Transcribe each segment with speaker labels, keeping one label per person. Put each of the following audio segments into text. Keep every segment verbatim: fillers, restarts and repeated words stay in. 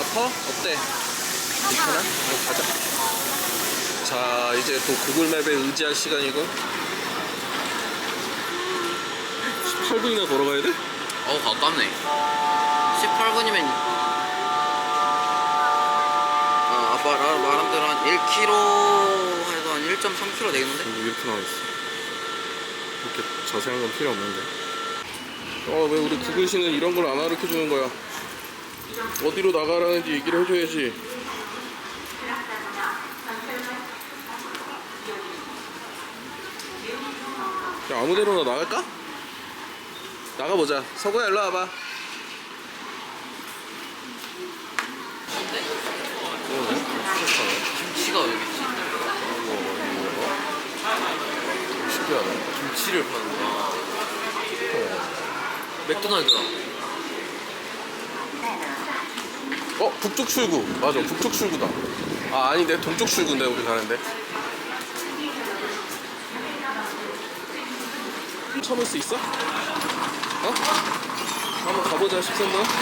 Speaker 1: 아파? 어때? 괜찮아? 어, 가자. 자, 이제 또 구글맵에 의지할 시간이고. 십팔 분이나 걸어가야 돼?
Speaker 2: 어우 가깝네. 십팔 분이면 아 아빠 나 말한 대로 한 일 킬로미터 해서 한 일 점 삼 킬로미터 되겠는데?
Speaker 1: 근데 이렇게 나와있어. 이렇게 자세한 건 필요 없는데. 어, 왜 우리 구글씨는 이런 걸 안 가르쳐 주는 거야? 어디로 나가라는지 얘기를 해줘야지. 야, 아무데로나 나갈까? 나가보자. 서구야, 일로 와봐.
Speaker 2: 김치가 여기 있지.
Speaker 1: 신기하네.
Speaker 2: 김치를 파는구나. 맥도날드다.
Speaker 1: 어? 북쪽 출구. 맞아, 북쪽 출구다. 아, 아닌데, 동쪽 출구인데, 우리 가는데. 참을 수 있어? 어? 한번 가보자, 십삼 번.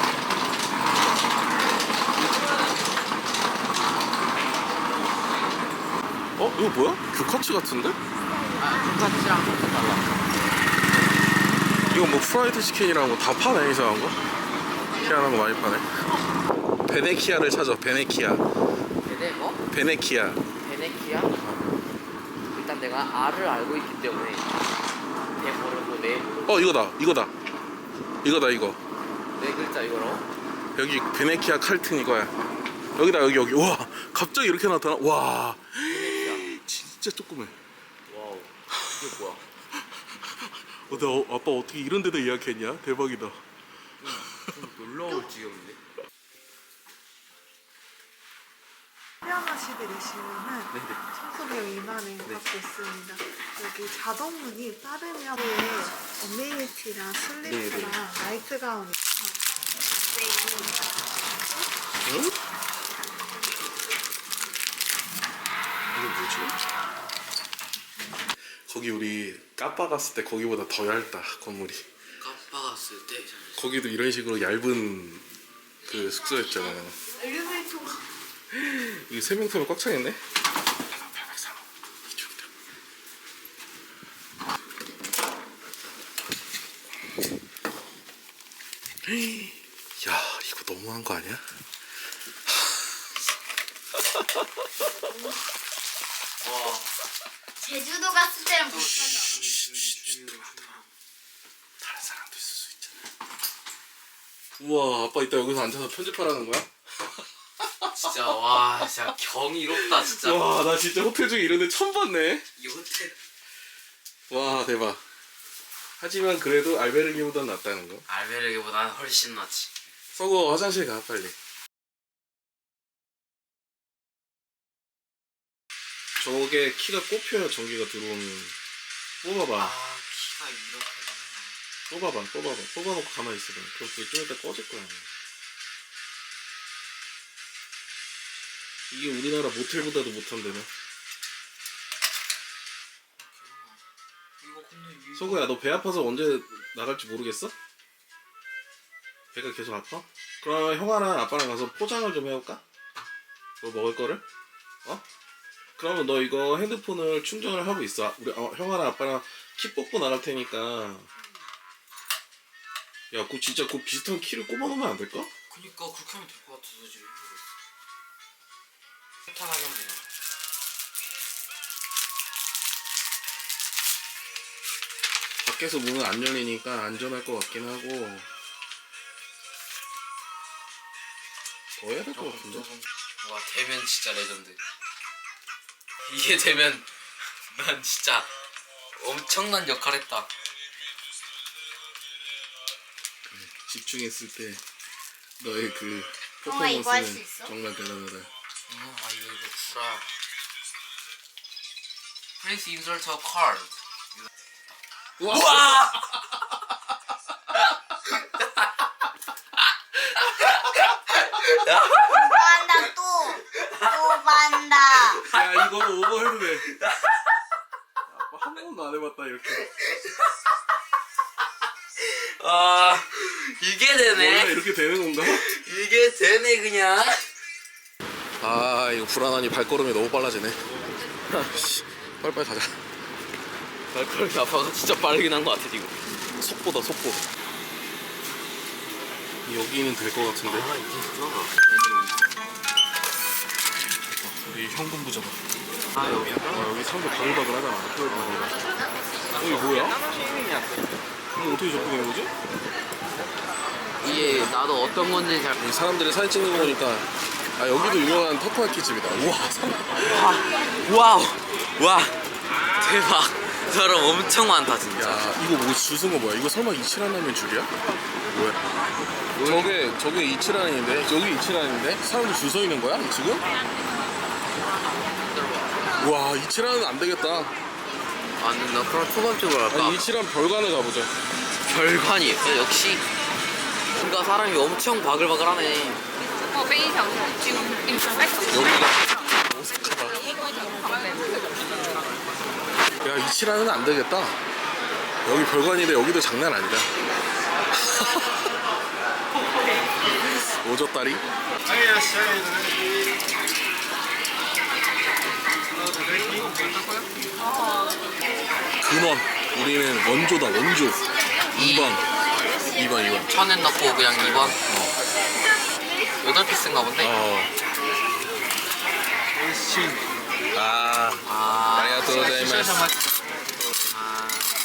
Speaker 1: 어? 이거 뭐야? 규카츠 같은데?
Speaker 2: 아, 돈까스랑 조금 달라.
Speaker 1: 이거 뭐 프라이드 치킨이랑 뭐 다 파네, 이상한 거. 희한한 거 많이 파네. 베네키아를 찾아, 베네키아.
Speaker 2: 베네 뭐?
Speaker 1: 베네키아.
Speaker 2: 베네키아? 일단 내가 R을 알고 있기 때문에 배 모르고 네,
Speaker 1: 어, 이거다, 이거다. 이거다, 이거.
Speaker 2: 네 글자 이거로.
Speaker 1: 여기 베네키아 칼튼 이거야. 여기다, 여기, 여기. 와, 갑자기 이렇게 나타나? 와.
Speaker 2: 베네키아.
Speaker 1: 진짜 조그매.
Speaker 2: 와우. 이게 뭐야?
Speaker 1: 어, 나 어, 아빠 어떻게 이런 데다 예약했냐? 대박이다.
Speaker 2: 좀 놀라울 지경인데?
Speaker 3: 태어나시들이시면은 청소비용 이만 원 받고 있습니다. 여기 자동문이 빠르면 어메니티랑 슬리프랑 나이트 가운이
Speaker 1: 응? 이게 뭐지? 거기 우리 까빠 갔을 때 거기보다 더 얇다, 건물이.
Speaker 2: 까빠 갔을 때
Speaker 1: 거기도 이런 식으로 얇은 그 숙소였잖아.
Speaker 3: 엘리베이터가
Speaker 1: 이게 세 명 타면 꽉 차겠네? 팔백삼 호 이쪽이다. 야, 이거 너무한 거 아니야?
Speaker 2: 와.
Speaker 4: 제주도 갔을 때랑 비슷하죠.
Speaker 1: 다른 사람도 있을 수 있잖아. 우와, 아빠 이따 여기서 앉아서 편집하라는 거야?
Speaker 2: 진짜 와 진짜 경이롭다 진짜.
Speaker 1: 와, 나 진짜 호텔 중에 이런 데 처음 봤네.
Speaker 2: 이 호텔
Speaker 1: 와, 대박. 하지만 그래도 알베르기보단 낫다는 거.
Speaker 2: 알베르게보다는 훨씬 낫지.
Speaker 1: 서고 화장실 가, 빨리. 저게 키가 꼽혀야 전기가 들어오는. 뽑아봐.
Speaker 2: 아 키가 이렇게
Speaker 1: 뽑아봐, 뽑아봐. 뽑아놓고 가만히 있어봐. 그럼 그게 좀 이따 꺼질 거야. 이게 우리나라 모텔보다도 못한다며.
Speaker 2: 이거 근데 이거
Speaker 1: 서구야, 너 배 아파서 언제 나갈지 모르겠어? 배가 계속 아파? 그럼 형아랑 아빠랑 가서 포장을 좀 해올까? 뭐 먹을 거를? 어? 그러면 너 이거 핸드폰을 충전을 하고 있어. 우리 어, 형아랑 아빠랑 키 뽑고 나갈 테니까. 야, 그 진짜 그 비슷한 키를 꼽아놓으면 안 될까?
Speaker 2: 그니까 그렇게 하면 될 것 같아서 지금 세탁하게 하면 되나.
Speaker 1: 밖에서 문은 안 열리니까 안전할 것 같긴 하고. 더 해야 될 것 같은데?
Speaker 2: 와 되면 진짜 레전드. 이게 되면 난 진짜 엄청난 역할 했다.
Speaker 1: 집중했을 때 너의 그
Speaker 4: 형아, 이거 할수
Speaker 1: 퍼포먼스는
Speaker 4: 있어?
Speaker 1: 정말 대단하다.
Speaker 2: 어, 아 이거 이거 구라. Please insert a card. 우와!
Speaker 4: 또 한다 또! 또 반다!
Speaker 1: 야, 이거 오버 해도 돼. 아빠 한 번도 안 해봤다 이렇게.
Speaker 2: 아 이게
Speaker 1: 원래
Speaker 2: 되네.
Speaker 1: 이렇게 되는 건가?
Speaker 2: 이게 이게 되네 그냥.
Speaker 1: 아 이거 불안하니 발걸음이 너무 빨라지네. 씨, 빨리빨리 가자.
Speaker 2: 발걸음이 아빠가 진짜 빠르긴 한 것 같아 지금.
Speaker 1: 속보다 속보. 여기는 될 것 같은데.
Speaker 2: 아 이제
Speaker 1: 우리 현금 부자다.
Speaker 2: 아 여기.
Speaker 1: 아, 여기 사람들 바글바글 하잖아. 여기 뭐야? 이거 어떻게 접근하는 거지?
Speaker 2: 이게 나도 어떤 건지 잘.
Speaker 1: 이 사람들이 사진 찍는 거 보니까 아 여기도 유명한 타코야키 집이다. 우와 사람.
Speaker 2: 와우. 와. 대박. 사람 엄청 많다 진짜.
Speaker 1: 야 이거 뭐 주승거 뭐야? 이거 설마 이치란 라면 줄이야? 뭐야? 저게 저게 이치란인데 여기 이치란인데 사람들 줄 서 있는 거야 지금? 와 이치란은 안 되겠다.
Speaker 2: 아니 나 그럼 초밥집으로 할까?
Speaker 1: 아니, 이치란 별관을 가보자.
Speaker 2: 별관이 역시. 그러니까 사람이 엄청 바글바글하네.
Speaker 5: 我非常就 inspect
Speaker 1: 여기가 오싹하다. 야 이치란은 안 되겠다. 여기 별관인데 여기도 장난 아니다. 오졌다리. 근원. 우리는 원조다 원조. 이 번. 이 번 이 번.
Speaker 2: 천엔 넣고 그냥 이 번. 여덟 피스인가 본데.
Speaker 1: 어. 아.
Speaker 2: 아.
Speaker 1: 아리가또 고자이마스.
Speaker 2: 아.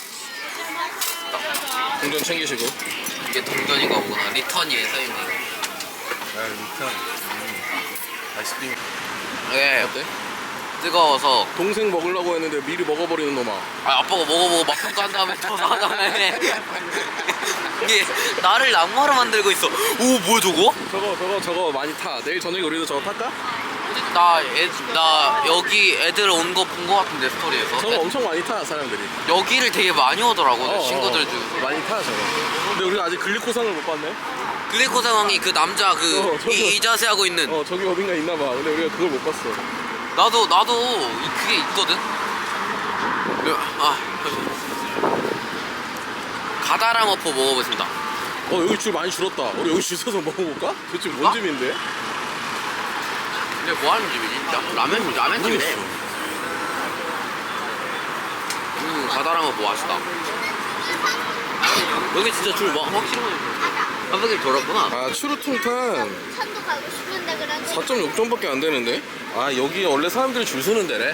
Speaker 1: 동전 챙기시고.
Speaker 2: 이게 동전인가 보구나. 리턴이에 써있네.
Speaker 1: 아 일단 아이스크림.
Speaker 2: 네.
Speaker 1: 어때?
Speaker 2: 뜨거워서.
Speaker 1: 동생 먹으려고 했는데 미리 먹어버리는 놈아.
Speaker 2: 아 아빠가 먹어보고 맛평가한 다음에 더 사다음에. 이게 나를 낙마로 만들고 있어. 오 뭐야 저거?
Speaker 1: 저거 저거 저거 많이 타. 내일 저녁에 우리도 저거 탈까?
Speaker 2: 나, 애, 나 여기 애들 온 거 본 거 같은데 스토리에서.
Speaker 1: 저거 엄청 많이 타 사람들이.
Speaker 2: 여기를 되게 많이 오더라고.
Speaker 1: 어,
Speaker 2: 친구들
Speaker 1: 어,
Speaker 2: 중.
Speaker 1: 많이 타 저거. 근데 우리가 아직 글리코산을 못 봤네.
Speaker 2: 글리코 상황이 그 남자 그
Speaker 1: 어, 저거.
Speaker 2: 이, 이 자세 하고 있는.
Speaker 1: 어 저기 어딘가 있나 봐. 근데 우리가 그걸 못 봤어.
Speaker 2: 나도 나도 이- 그게 있거든. 아 가다랑어포 먹어보겠습니다.
Speaker 1: 어 여기 줄 많이 줄었다. 우리 여기 줄 서서 먹어볼까? 도대체 뭔
Speaker 2: 아?
Speaker 1: 집인데?
Speaker 2: 근데 뭐 하는 집이지? 라- 라면 라면 집이네. 음 가다랑어포 맛있다. 여기 진짜 줄 막 확실히 한 바퀴 돌았구나.
Speaker 1: 아 추루퉁탄
Speaker 4: 천도 가고 싶은데 그래도
Speaker 1: 사 점 육 점밖에 안 되는데? 아 여기 원래 사람들이 줄 서는 데래?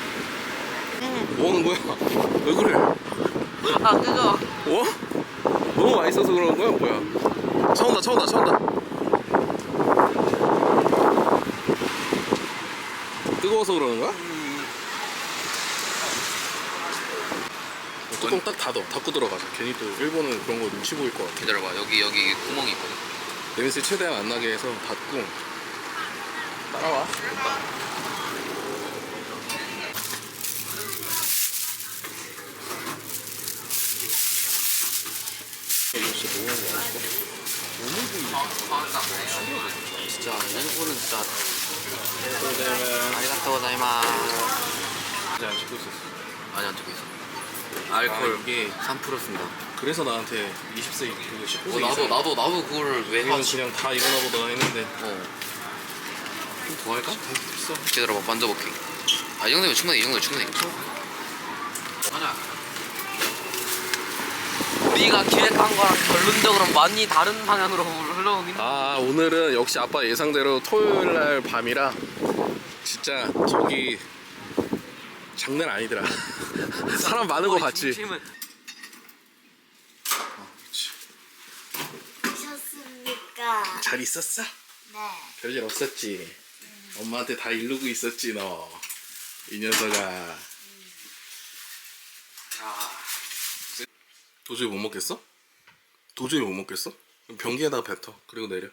Speaker 1: 뭐 하는 거야? 왜 그래?
Speaker 2: 아 그거
Speaker 1: 어? 너무 맛있어서 그러는 거야? 뭐야? 차 온다 차 온다 차 온다. 뜨거워서 그러는 거야? 뚜껑 딱 닫어. 닫고 들어가자. 괜히 또 일본은 그런 거 눈치 보일 것 같아.
Speaker 2: 기다려봐. 여기 여기 구멍이 있거든.
Speaker 1: 냄새 최대한 안 나게 해서 닫고 따라와. 이거 진짜 너무 하는 거 아닐까?
Speaker 2: 진짜 일본은 진짜
Speaker 1: 그러면
Speaker 2: 아리가또 고자이마스.
Speaker 1: 이제 안 찍고 있었어.
Speaker 2: 아니 안 찍고 있어.
Speaker 1: 아,
Speaker 2: 알콜
Speaker 1: 이게
Speaker 2: 삼 퍼센트입니다.
Speaker 1: 그래서 나한테 이십 세 그리고 십구 세
Speaker 2: 어, 나도 나도 나도 그걸 왜
Speaker 1: 우리는
Speaker 2: 하지?
Speaker 1: 그냥 다 일어나 보다 했는데
Speaker 2: 어. 더 할까?
Speaker 1: 비싸.
Speaker 2: 기다려봐. 만져볼게. 아 이 정도면 충분해. 이 정도면 충분해. 하나. 우리가 기획한 거랑 결론적으로 많이 다른 방향으로 흘러오긴.
Speaker 1: 아 오늘은 역시 아빠 예상대로 토요일날 밤이라 진짜 저기 장난 아니더라. 사람 많은 거 봤지?
Speaker 2: 중심은
Speaker 4: 오셨습니까?
Speaker 1: 잘 있었어?
Speaker 4: 네.
Speaker 1: 별일 없었지? 엄마한테 다 이르고 있었지 너 이 녀석아.
Speaker 2: 아
Speaker 1: 도저히 못 먹겠어? 도저히 못 먹겠어? 그럼 변기에다가 뱉어. 그리고 내려.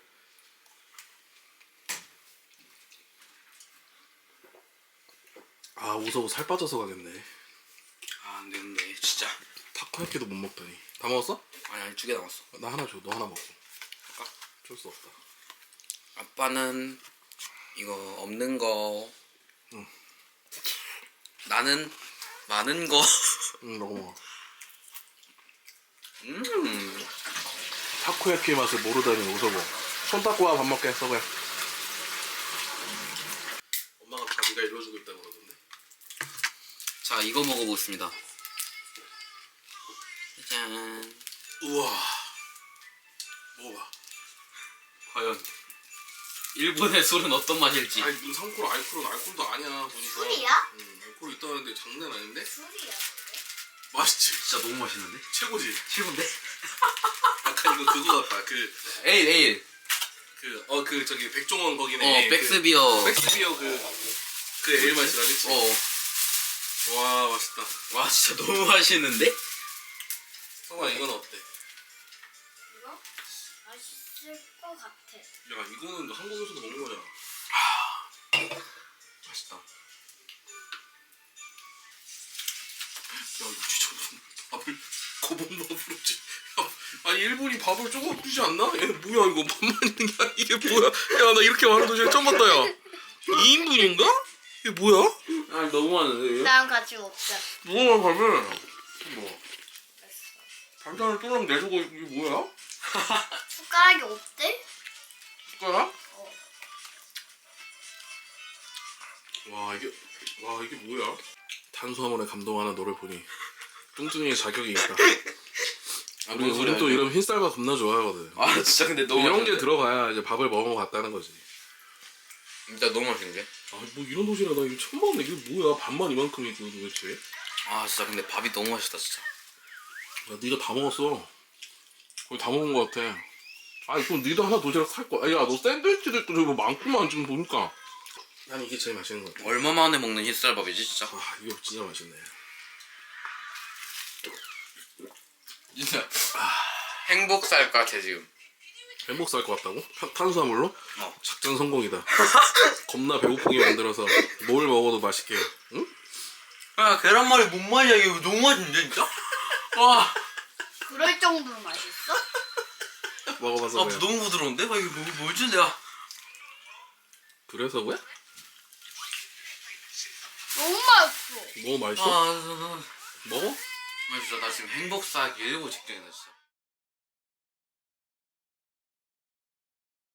Speaker 1: 아 오서고 살 빠져서 가겠네.
Speaker 2: 아, 안 되는데 진짜.
Speaker 1: 타코야키도 못 먹더니. 다 먹었어?
Speaker 2: 아니 아니 두 개 남았어.
Speaker 1: 나 하나 줘. 너 하나 먹고. 줄 수 없다.
Speaker 2: 아빠는 이거 없는 거.
Speaker 1: 응.
Speaker 2: 나는 많은 거.
Speaker 1: 응 먹어 먹어.
Speaker 2: 음.
Speaker 1: 타코야키의 맛을 모르다니 오서고. 손 닦고 와 밥 먹게 서구야. 엄마가 다 네가 일러주고 있다고 그러던데.
Speaker 2: 자, 이거 먹어보겠습니다. 짠.
Speaker 1: 우와. 먹어봐.
Speaker 2: 과연 일본의 술은 어떤 맛일지.
Speaker 1: 아니 무슨 상코로 알코올은 알코올도 아니야 보니까.
Speaker 4: 술이야?
Speaker 1: 응 알코올 있다는데 장난 아닌데?
Speaker 4: 술이야.
Speaker 1: 맛있지.
Speaker 2: 진짜 너무 맛있는데?
Speaker 1: 최고지.
Speaker 2: 최고인데?
Speaker 1: 약간 이거 그거 같다. 그
Speaker 2: 에일 에일.
Speaker 1: 그 어 그 저기 백종원 거기네.
Speaker 2: 어, 백스비어.
Speaker 1: 그, 백스비어 그 그 에일 맛이라 그치?
Speaker 2: 어.
Speaker 1: 와 맛있다.
Speaker 2: 와, 진짜 너무 맛있는데?
Speaker 1: 성아 이건 어때?
Speaker 4: 이거 맛있을 것 같아.
Speaker 1: 야 이거는 한국에서도 먹는 거잖아.
Speaker 2: 맛있다.
Speaker 1: 야 이거 진짜 무슨 밥을 고봉밥으로 지 야, 아니 일본이 밥을 조금 주지 않나? 얘는 뭐야 이거 밥만 있는 게 아니 이게 뭐야? 야 나 이렇게 많은 도시락 처음 봤다 야. 이 인분인가? 이게 뭐야?
Speaker 2: 아, 너무 많은데?
Speaker 4: 나랑 같이 먹자.
Speaker 1: 뭐야 밥을? 뭐? 반찬을 또랑 내주고 이게 뭐야?
Speaker 4: 숟가락이 없대?
Speaker 1: 숟가락?
Speaker 4: 어.
Speaker 1: 와 이게 와 이게 뭐야? 탄수화물에 감동하는 너를 보니 뚱뚱이의 자격이 있다. 우리 우리 또 이런 흰쌀밥 겁나 좋아하거든.
Speaker 2: 아, 진짜 근데 너무
Speaker 1: 이런 게
Speaker 2: 맛있는데?
Speaker 1: 들어가야 이제 밥을 먹어갔다는 거지.
Speaker 2: 진짜 너무 맛있는데?
Speaker 1: 아 뭐 이런 도시락 나 이거 처음 먹네. 이게 뭐야? 밥만 이만큼 있고 도대체.
Speaker 2: 아, 진짜 근데 밥이 너무 맛있다, 진짜.
Speaker 1: 야 네가 다 먹었어. 거의 다 먹은 거 같아. 아 그럼 네도 하나 도시락 살 거야. 야 너 샌드위치도 있고 저거 많구만 지금 보니까. 난 이게 제일 맛있는 거 같아.
Speaker 2: 얼마 만에 먹는 흰쌀밥이지, 진짜?
Speaker 1: 아 이거 진짜 맛있네.
Speaker 2: 진짜. 행복 살 것 같아, 지금.
Speaker 1: 행복 살 것 같다고? 탄, 탄수화물로?
Speaker 2: 어.
Speaker 1: 작전 성공이다. 겁나 배고프게 만들어서 뭘 먹어도 맛있게. 응?
Speaker 2: 야, 계란말이 뭔 맛이야? 이거 너무 맛있는데, 진짜? 와.
Speaker 4: 그럴 정도로 맛있어?
Speaker 1: 먹어봐서
Speaker 2: 아,
Speaker 1: 그래.
Speaker 2: 너무 부드러운데? 아, 이거 뭐, 뭐지, 내가?
Speaker 1: 그래서 왜?
Speaker 4: 너무 맛있어.
Speaker 1: 너무
Speaker 2: 아,
Speaker 1: 맛있어?
Speaker 2: 아, 아,
Speaker 1: 먹어?
Speaker 2: 아, 진짜 나 지금 행복 사기 일보 직전이다, 진짜.